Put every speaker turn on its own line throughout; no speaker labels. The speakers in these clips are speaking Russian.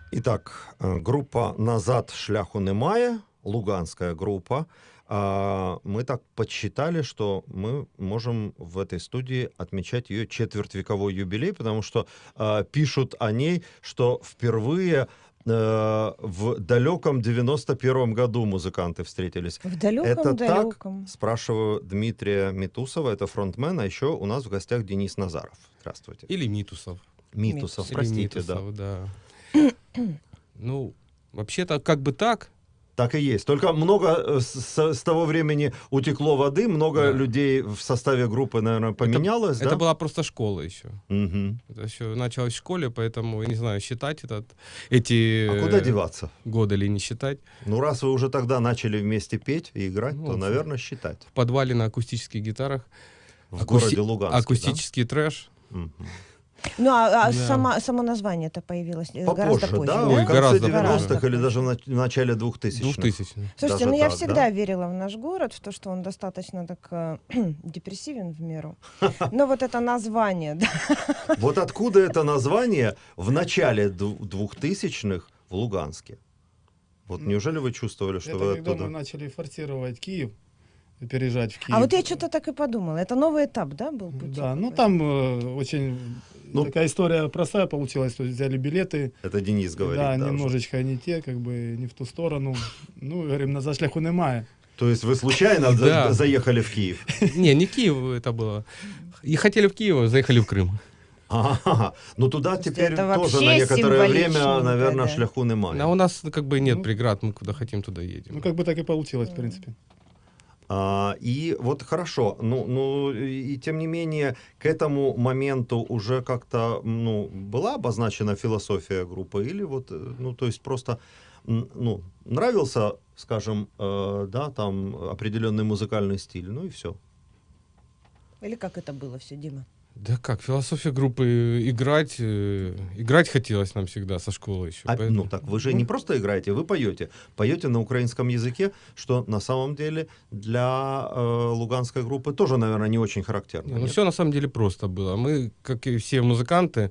Итак, группа «Назад шляху немає», луганская группа. Мы так подсчитали, что мы можем в этой студии отмечать ее четвертьвековой юбилей, потому что пишут о ней, что впервые в далеком 91-м году музыканты встретились.
В
Это
далеком-далеком.
так? Спрашиваю Дмитрия Митусова, это фронтмен, а еще у нас в гостях Денис Назаров. Здравствуйте.
Или Митусов.
Митусов,
Или
простите,
Митусов,
да.
Ну, вообще-то как бы так.
Так и есть. Только много с того времени утекло воды, много людей в составе группы, наверное, поменялось,
Это
да?
была просто школа еще.
Мгм.
Это еще началось в школе, поэтому, я не знаю, считать эти
А куда деваться?
годы или не считать.
Ну, раз вы уже тогда начали вместе петь и играть,
Ну,
то,
вот.
наверное, считать.
В подвале на акустических гитарах.
В городе Луганске,
Акустический трэш.
да? Мгм.
Ну, а
Да.
само название-то появилось
Попозже,
гораздо позже,
да?
да?
Ой,
В конце
гораздо
90-х
позже.
или даже в начале 2000-х.
2000.
Слушайте,
Даже
ну я
так,
всегда верила в наш город, в то, что он достаточно так депрессивен в меру. Но вот это название, да.
Вот откуда это название в начале 2000-х в Луганске? Вот неужели вы чувствовали, что
Это
вы
когда мы
оттуда?
начали форсировать Киев, переезжать в Киев.
А вот я что-то так и подумала. Это новый этап, да, был пути?
Да, ну
какой-то?
там очень
Ну,
такая история простая получилась, то есть взяли билеты,
Это Денис говорит.
да,
да, уже.
немножечко не те, как бы не в ту сторону. Ну, говорим, назад шляху немає.
То есть вы случайно
Да.
заехали в Киев?
Не Киев это было. И хотели в Киев, заехали в Крым.
Ага, ну туда
Слушайте,
теперь
это
тоже
вообще
на некоторое время,
символичненько,
наверное,
да.
шляху немає.
А у нас как бы нет
Ну,
преград, мы куда хотим, туда едем.
Ну, как бы так и получилось, в принципе.
И вот хорошо, ну и тем не менее к этому моменту уже как-то была обозначена философия группы или вот, ну то есть просто нравился, скажем, да, там определенный музыкальный стиль, ну и все.
Или как это было все, Дима?
Да как, философия группы играть хотелось нам всегда со школы еще.
Ну так вы же не просто играете, вы поете на украинском языке, что на самом деле для луганской группы тоже, наверное, не очень характерно.
Ну
нет?
все на самом деле просто было. Мы, как и все музыканты,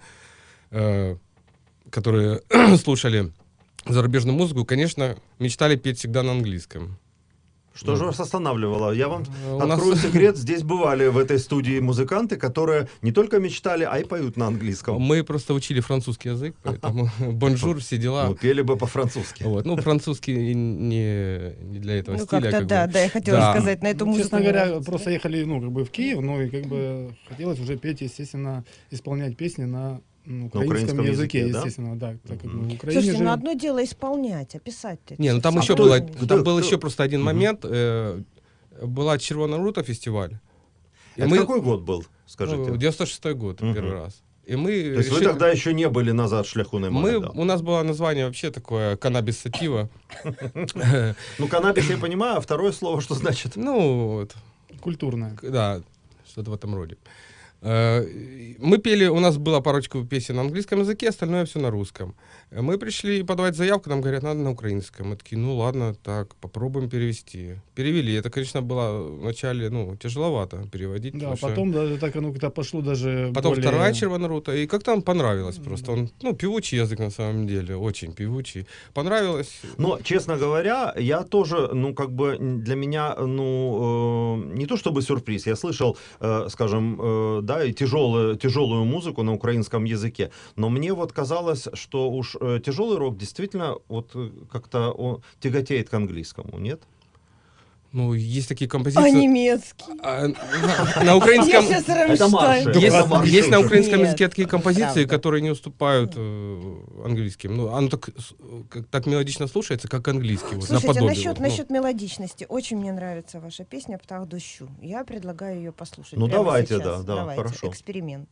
которые слушали зарубежную музыку, конечно, мечтали петь всегда на английском.
Что же вас останавливало? Я вам
У нас-
открою секрет, здесь бывали в этой студии музыканты, которые не только мечтали, а и поют на английском.
Мы просто учили французский язык, поэтому бонжур, все дела.
Ну, пели бы по-французски.
Вот. Ну, французский не для этого
Ну,
стиля.
как-то
как
да,
бы.
да, я хотела
Да.
сказать, на эту
Ну,
музыку.
честно
не
говоря,
нравится,
просто
да?
ехали, ну, как бы в Киев, ну, и как бы хотелось уже петь, естественно, исполнять песни на украинском языке,
да?
естественно, да, так как мы в Украине
Слушайте, ну
живем.
одно дело исполнять, а писать-то.
Не, ну там
А
еще
кто-
было,
кто-
там был
кто-
еще просто один момент. Была Червона рута фестиваль. И
Это
мы,
какой год был, скажите?
96-й год,
Мгм.
первый раз. И мы
То есть вы тогда еще не были назад шляху немає, да?
У нас было название вообще такое «Каннабис сатива».
Ну, каннабис я понимаю, а второе слово что значит?
Ну, вот,
Культурная.
да, что-то в этом роде. Мы пели, у нас была парочка песен на английском языке, остальное все на русском. Мы пришли подавать заявку, нам говорят, надо на украинском. Мы такие, ну ладно, так, попробуем перевести. Перевели. Это, конечно, было вначале, тяжеловато переводить.
Да,
потому что
потом даже так оно как-то пошло даже
Потом
более...
вторая Червона рута, и как-то нам понравилось просто. Он, певучий язык на самом деле, очень певучий. Понравилось.
Но, честно говоря, я тоже, для меня, не то чтобы сюрприз, я слышал, скажем, да, и тяжелую музыку на украинском языке, но мне вот казалось, что уж тяжелый рок действительно вот как-то он тяготеет к английскому, нет?
Ну, есть такие
А
композиции.
немецкий?
На
Я
украинском...
сейчас
Это марши.
Рамштайн.
Это марши
Есть на
уже.
украинском
Нет,
языке такие композиции,
правда.
которые не уступают английским. Ну, оно так мелодично слушается, как английский. Вот,
Слушайте,
наподобие.
насчет мелодичности. Очень мне нравится ваша песня «Птах дощу». Я предлагаю ее послушать.
Ну,
прямо
давайте,
сейчас.
да,
Давайте.
хорошо.
Эксперимент.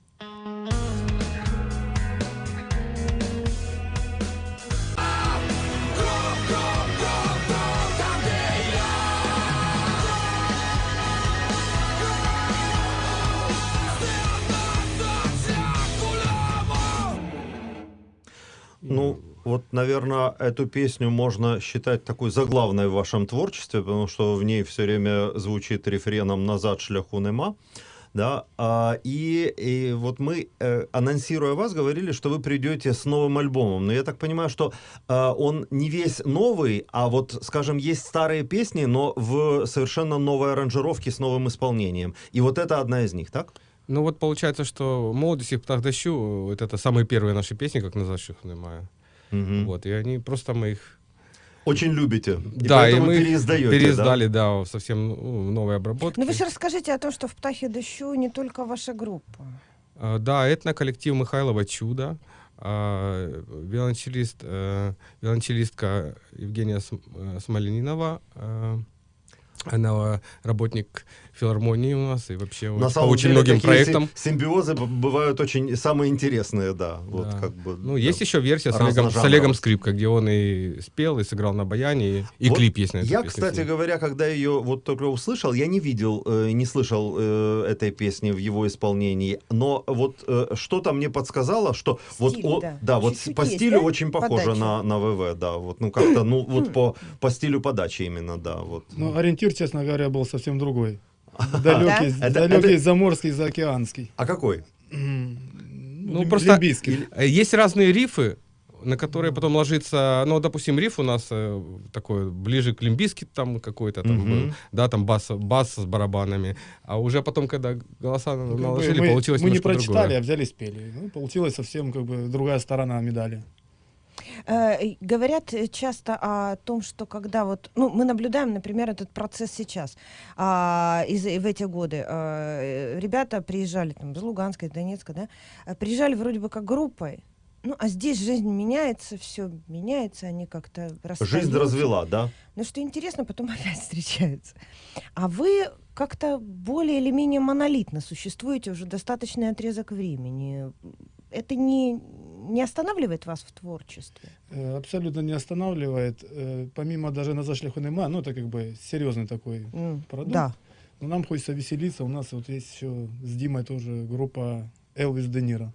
Ну, вот, наверное, эту песню можно считать такой заглавной в вашем творчестве, потому что в ней все время звучит рефреном «назад шляху нема». да, и вот мы, анонсируя вас, говорили, что вы придете с новым альбомом, но я так понимаю, что он не весь новый, а вот, скажем, есть старые песни, но в совершенно новой аранжировке с новым исполнением, и вот это одна из них, так?
Ну вот получается, что «Молодость» и «Птах дощу» — вот это самые первые наши песни, как «Назад шляху немає». Вот, и они просто мы их...
Очень любите, и
да,
поэтому
и мы
переиздаете,
переиздали, да, совсем в новой обработке.
Ну вы же расскажите о том, что в «Птахе дощу» не только ваша группа.
Да, этноколлектив Михайлова «Чудо», виолончелистка Евгения Смоленинова, она работник филармонии у нас и вообще
На
по
самом
очень
деле,
многим
такие
проектам.
симбиозы бывают очень самые интересные, да. Вот
Да.
как бы,
Ну,
да.
есть еще версия с Олегом Скрипка, где он и спел, и сыграл на баяне, и
Вот
клип есть на эту
я,
песню.
кстати говоря, когда ее вот только услышал, я не видел, не слышал этой песни в его исполнении, но вот что-то мне подсказало, что
Стиль,
вот,
да.
вот
Чуть-чуть
по
есть,
стилю
да?
очень похоже
Подача.
на ВВ, да, вот, ну как-то, ну вот по стилю подачи именно, да, вот.
Ну, ориентир, честно говоря, был совсем другой. Далекий,
Это-
далекий заморский, заокеанский.
А какой?
Ну, просто
Лимбийский.
есть разные рифы, на которые потом ложится, ну, допустим, риф у нас такой ближе к лимбийски там какой-то там был, да, там бас с барабанами, а уже потом, когда голоса наложили, получилось
мы не
немножко
прочитали,
другое.
а взяли спели. Ну, получилась совсем как бы другая сторона медали.
Говорят часто о том, что когда вот, ну, мы наблюдаем, например, этот процесс сейчас, в эти годы ребята приезжали там из Луганска, из Донецка, да, приезжали вроде бы как группой, ну, а здесь жизнь меняется, все меняется, они как-то расстаются.
Жизнь развела, да?
Но что интересно, потом опять встречаются. А вы как-то более или менее монолитно существуете уже достаточный отрезок времени. Это не останавливает вас в творчестве?
Абсолютно не останавливает. Помимо даже «Назад шляху немає», ну, это как бы серьезный такой продукт.
Да.
Но нам хочется веселиться. У нас вот есть еще с Димой тоже группа «Элвис Де Ниро».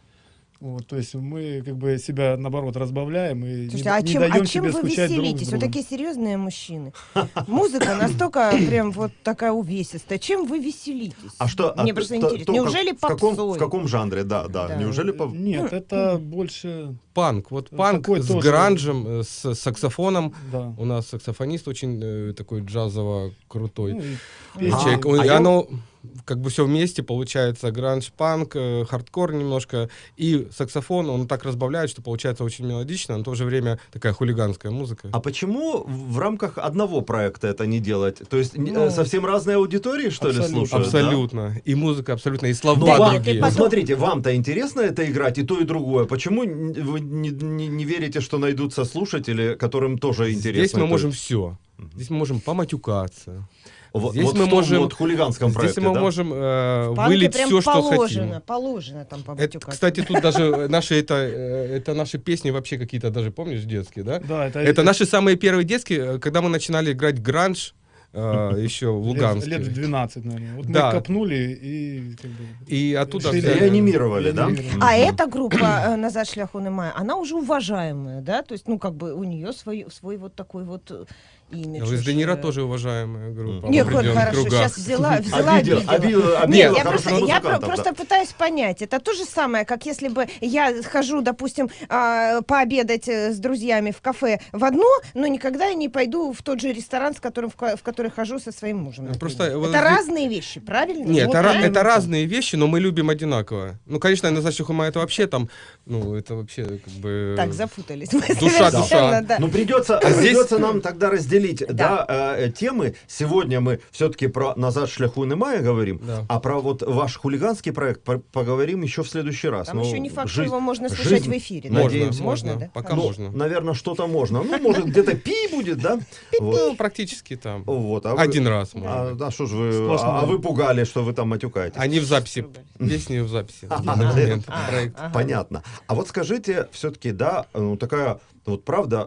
Вот, то есть мы как бы себя, наоборот, разбавляем и
Слушайте,
не даем
чем
себе
вы
скучать друг с
веселитесь? Вы
другом.
такие серьезные мужчины. Музыка настолько прям вот такая увесистая. Чем вы веселитесь?
А что?
Мне просто интересно. Неужели
в
попсой?
каком жанре, да.
Да.
Неужели
Нет, это больше...
Панк. Вот панк
Такой
с
тоже.
гранжем, с саксофоном.
Да.
У нас саксофонист очень такой джазово крутой
Ну, и
А,
человек.
а
И
я-
оно как бы все вместе получается гранж, панк, хардкор немножко и саксофон. Он так разбавляет, что получается очень мелодично, но в то же время такая хулиганская музыка.
А почему в рамках одного проекта это не делать? То есть
Ну,
совсем разные аудитории, что ли,
абсолютно.
слушают? да?
Абсолютно. И музыка абсолютно, и слова
Ну,
Да,
вам,
нет, и
другие.
ну,
потом-
смотрите, вам-то интересно это играть, и то, и другое. Почему вы не верите, что найдутся слушатели, которым тоже интересно?
Здесь мы
это?
можем все. Здесь мы можем поматюкаться.
Вот,
здесь
вот
мы
в том
можем-
вот хулиганском
Здесь
проекте,
мы
да?
можем
В панке
вылить
прям
все, что
положено,
хотим.
положено там
Это,
побатюкаться.
кстати, тут даже наши это наши песни вообще какие-то даже, помнишь, детские, да?
Да,
Это наши самые первые детские, когда мы начинали играть гранж еще в Луганске.
лет в 12, наверное. Вот
Да.
мы копнули и как бы...
И оттуда
решили-
взяли.
Реанимировали, да?
Реанимировали.
А эта группа «Назад шляху немає», она уже уважаемая, да? То есть, ну, как бы у нее свой вот такой вот имидж.
Из
уже.
Де Ниро тоже уважаемая группа.
Нет,
в
вот
определенных
хорошо,
кругах.
сейчас взяла,
Обидел,
обидела.
обидела
Нет, я
хороших
просто,
музыкантов, да.
просто пытаюсь понять. Это то же самое, как если бы я хожу, допустим, пообедать с друзьями в кафе в одно, но никогда я не пойду в тот же ресторан, в который хожу со своим мужем. например.
Просто вот
это
здесь-
разные вещи, правильно?
Нет,
Вот
это,
правильно.
это разные вещи, но мы любим одинаково. Ну, конечно, «Назад шляху немає» это вообще там, ну, это вообще как бы...
Так, запутались. Мы
Душа,
совершенно,
душа.
да.
Ну, придется,
А здесь-
придется нам тогда разделить
Да.
темы. Сегодня мы все-таки про «Назад шляху немає» говорим,
Да.
а про вот ваш хулиганский проект поговорим еще в следующий раз.
Там
Ну,
еще не факт, что
жизнь-
его можно слушать
жизнь-
в эфире.
Можно,
Надеемся.
можно,
да?
пока
Хорошо.
можно.
Наверное, что-то можно. Ну, может, где-то пи будет, да? Вот.
Ну, практически там.
Вот, а вы-
Один раз, может
А,
быть.
да, что ж вы,
Сплошной.
а вы пугали, что вы там матюкаетесь.
Они в записи, песни в записи.
А,
на данный момент
а,
проект.
ага.
Понятно. А вот скажите, все-таки, да, ну такая, вот правда,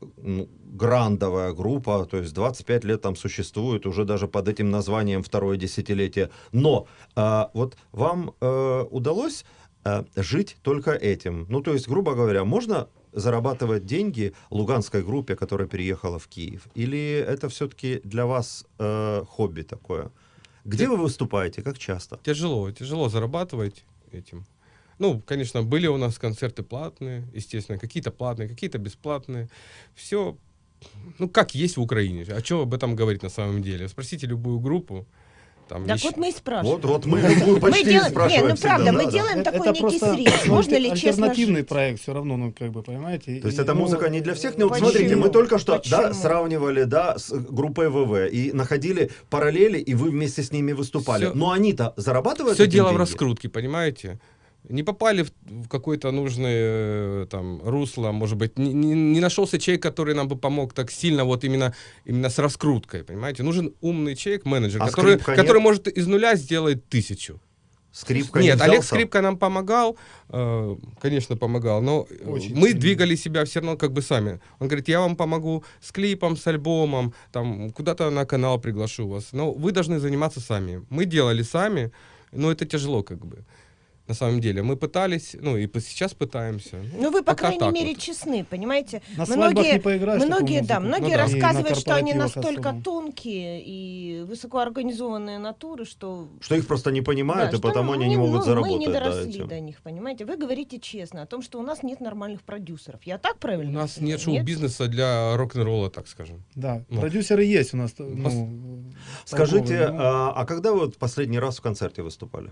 грандовая группа, то есть 25 лет там существует, уже даже под этим названием второе десятилетие. Но вот вам удалось жить только этим? Ну, то есть, грубо говоря, можно зарабатывать деньги луганской группе, которая переехала в Киев? Или это все-таки для вас хобби такое? Где вы выступаете? Как часто?
Тяжело зарабатывать этим. Ну, конечно, были у нас концерты платные, естественно, какие-то платные, какие-то бесплатные. Все, ну, как есть в Украине. А что об этом говорить на самом деле? Спросите любую группу. Там
Так
еще...
вот мы и спрашиваем.
Вот мы любую почти
делаем,
спрашиваем.
не, ну
всегда,
правда,
да,
мы
да.
делаем такой
это
некий
просто
срез. Можно ли честно
альтернативный
жить?
проект все равно, ну, как бы, понимаете?
То есть это
Ну,
музыка не для всех? Ну, вот
Почему?
смотрите, мы только что да,
Почему?
сравнивали да, с группой ВВ и находили параллели, и вы вместе с ними выступали.
Всё-
Но они-то зарабатывают
Все
этим
дело в
деньги?
раскрутке, понимаете? Не попали в какое-то нужное там русло, может быть, не нашелся человек, который нам бы помог так сильно, вот именно с раскруткой, понимаете? Нужен умный человек, менеджер,
А
который
скрипка нет?
может из нуля сделать 1000.
Скрипка не
Нет,
взял
Олег
сам?
Скрипка нам помогал, конечно, помогал, но
Очень
мы
сильно.
двигали себя все равно как бы сами. Он говорит, я вам помогу с клипом, с альбомом, там, куда-то на канал приглашу вас, но вы должны заниматься сами. Мы делали сами, но это тяжело как бы. На самом деле, мы пытались, ну и сейчас пытаемся.
Ну, вы, по
пока
крайней
так
мере,
вот.
честны, понимаете?
На свадьбах не поиграешь такую
многие, да,
музыку.
многие
Ну да.
И на
рассказывают, что они
корпоративах
настолько
особо.
тонкие и высокоорганизованные натуры, что...
Что их просто не понимают,
Да,
и
что
потому они не
мы,
могут
мы
заработать.
не
да,
доросли
этим.
до них, понимаете? Вы говорите честно о том, что у нас нет нормальных продюсеров. Я так
У
правильно
нас
понимаю?
нет шоу-бизнеса для рок-н-ролла, так скажем.
Да,
Ну.
продюсеры есть у нас. Ну,
Скажите,
толковые, ну.
а когда вы вот последний раз в концерте выступали?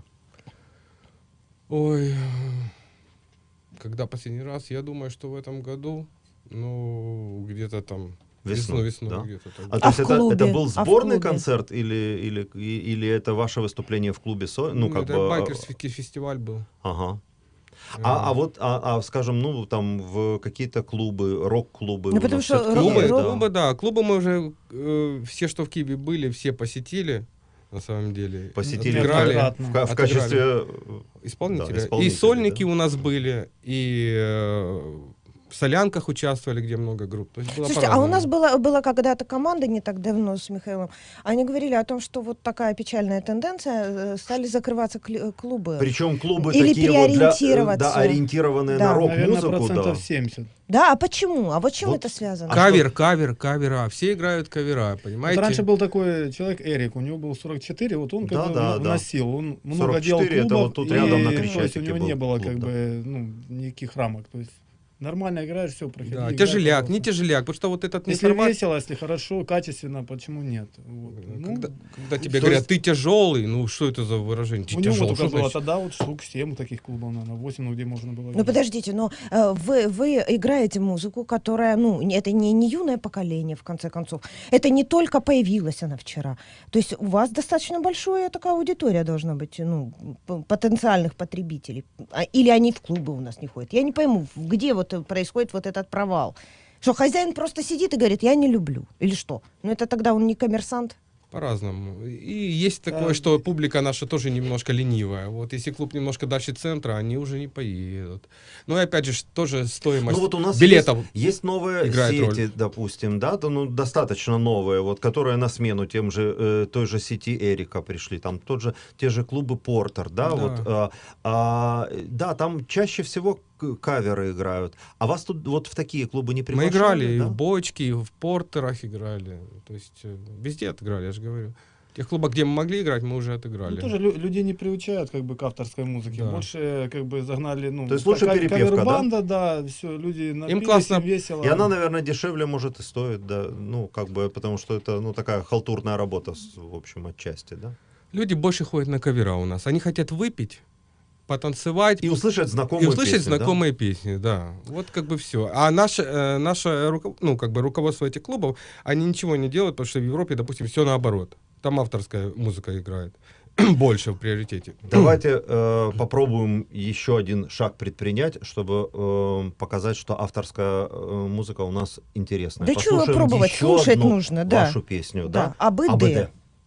Ой, когда последний раз? Я думаю, что в этом году, ну, где-то там весной
да?
где-то так.
То есть
в клубе?
это был
А в
сборный
клубе?
концерт или это ваше выступление в клубе? Ну, как
это
бы...
байкерский фестиваль был.
Ага. Скажем, ну, там, в какие-то клубы, рок-клубы.
Ну,
у
потому
нас
что
всё-таки
Клубы,
есть, да.
клубы, да. Клубы мы уже, все, что в Киеве были, все посетили, на самом деле.
Посетили
Отыграли.
неоднократно.
в
Отыграли.
качестве...
Исполнителя.
Да, исполнители,
И сольники
да.
у нас были, и в солянках участвовали, где много групп. То есть было
Слушайте, а у
по-разному.
нас была когда-то команда не так давно с Михаилом. Они говорили о том, что вот такая печальная тенденция, стали закрываться клубы.
Причем клубы
Или
такие вот для,
переориентироваться.
ориентированные
Да.
на
Наверное,
рок-музыку.
процентов
Да.
70.
Да, а почему? А вот чем
Вот.
это связано?
Кавера. Все играют кавера,
Вот
понимаете?
раньше был такой человек Эрик, у него был 44, вот он как
Да,
бы
да, да.
вносил, он много
44
делал
это
клубов,
вот тут
и,
рядом на
то есть
Крещатике
у него
был
не было
клуб,
как
да.
бы никаких рамок, то есть нормально играешь, все, проходи.
Да,
играй,
тяжеляк,
пожалуйста.
не тяжеляк, потому что вот этот
Если
неформат,
весело, если хорошо, качественно, почему нет? Вот. Ну,
когда тебе
то
говорят,
есть-
ты тяжелый, ну что это за выражение? Ты
у него
тяжелый,
только
что
было
значит?
тогда вот штук 7 таких клубов, наверное, 8, ну где можно было.
Ну
играть.
подождите, но вы играете музыку, которая, ну, это не юное поколение, в конце концов. Это не только появилась она вчера. То есть у вас достаточно большая такая аудитория должна быть, ну, потенциальных потребителей. Или они в клубы у нас не ходят. Я не пойму, где вот происходит вот этот провал. Что хозяин просто сидит и говорит, я не люблю. Или что? Ну это тогда он не коммерсант.
По-разному. И есть такое, что публика наша тоже немножко ленивая. Вот если клуб немножко дальше центра, они уже не поедут. Ну и опять же, тоже стоимость
Ну вот у нас
билетов.
есть новые
играет
сети,
роль.
допустим, да, ну достаточно новые, вот, которые на смену тем же той же сети Эрика пришли, там те же клубы Портер, да,
Да.
вот, да, там чаще всего каверы играют. А вас тут вот в такие клубы не
Мы
приглашали?
играли и
да?
в бочке, и в портерах играли. То есть везде отыграли, я же говорю. В тех клубах, где мы могли играть, мы уже отыграли.
Ну, тоже людей не приучают как бы к авторской музыке.
Да.
Больше как бы загнали, ну,
То есть лучше перепевка, да?
кавер-банда, да, все, люди напились,
классно.
им весело.
И она, наверное, дешевле, может, и стоит, да, ну, как бы, потому что это, ну, такая халтурная работа, в общем, отчасти, да?
Люди больше ходят на кавера у нас. Они хотят выпить, потанцевать
И услышать знакомые
и услышать
песни, да?
знакомые песни, да. Вот как бы все. А наше ну, как бы руководство этих клубов, они ничего не делают, потому что в Европе, допустим, все наоборот. Там авторская музыка играет больше в приоритете.
Давайте попробуем еще один шаг предпринять, чтобы показать, что авторская музыка у нас интересная.
Да чего
Послушаем
пробовать?
еще
Слушать
одну
нужно, да.
вашу песню,
Да,
да?
АБД.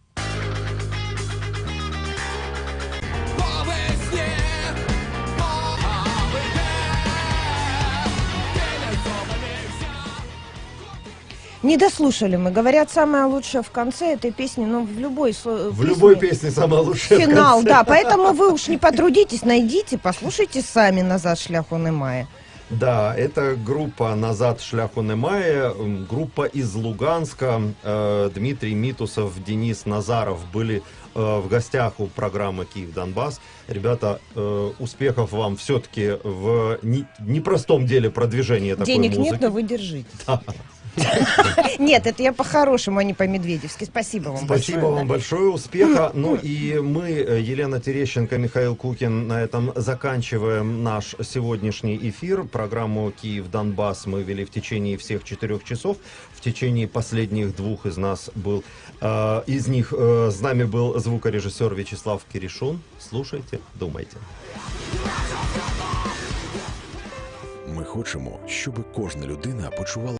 Не дослушали мы. Говорят, самое лучшее в конце этой песни, ну, в любой
В любой песне самая лучшая. в
финал,
конце.
да. Поэтому вы уж не потрудитесь, найдите, послушайте сами «Назад шляху немає».
Да, это группа «Назад шляху немає», группа из Луганска. Дмитрий Митусов, Денис Назаров были в гостях у программы «Киев-Донбасс». Ребята, успехов вам все-таки в непростом деле продвижения такой
Денег
музыки.
нет, но вы держите. Нет, это я по-хорошему, а не по-медведевски. Спасибо вам большое.
Спасибо вам большое, успеха. Ну и мы, Елена Терещенко, Михаил Кукин, на этом заканчиваем наш сегодняшний эфир. Программу «Киев-Донбасс» мы вели в течение всех 4 часов. В течение последних 2 из нас был, из них с нами был звукорежиссер Вячеслав Киришун. Слушайте, думайте.
Ми хочемо, щоб кожна людина почувала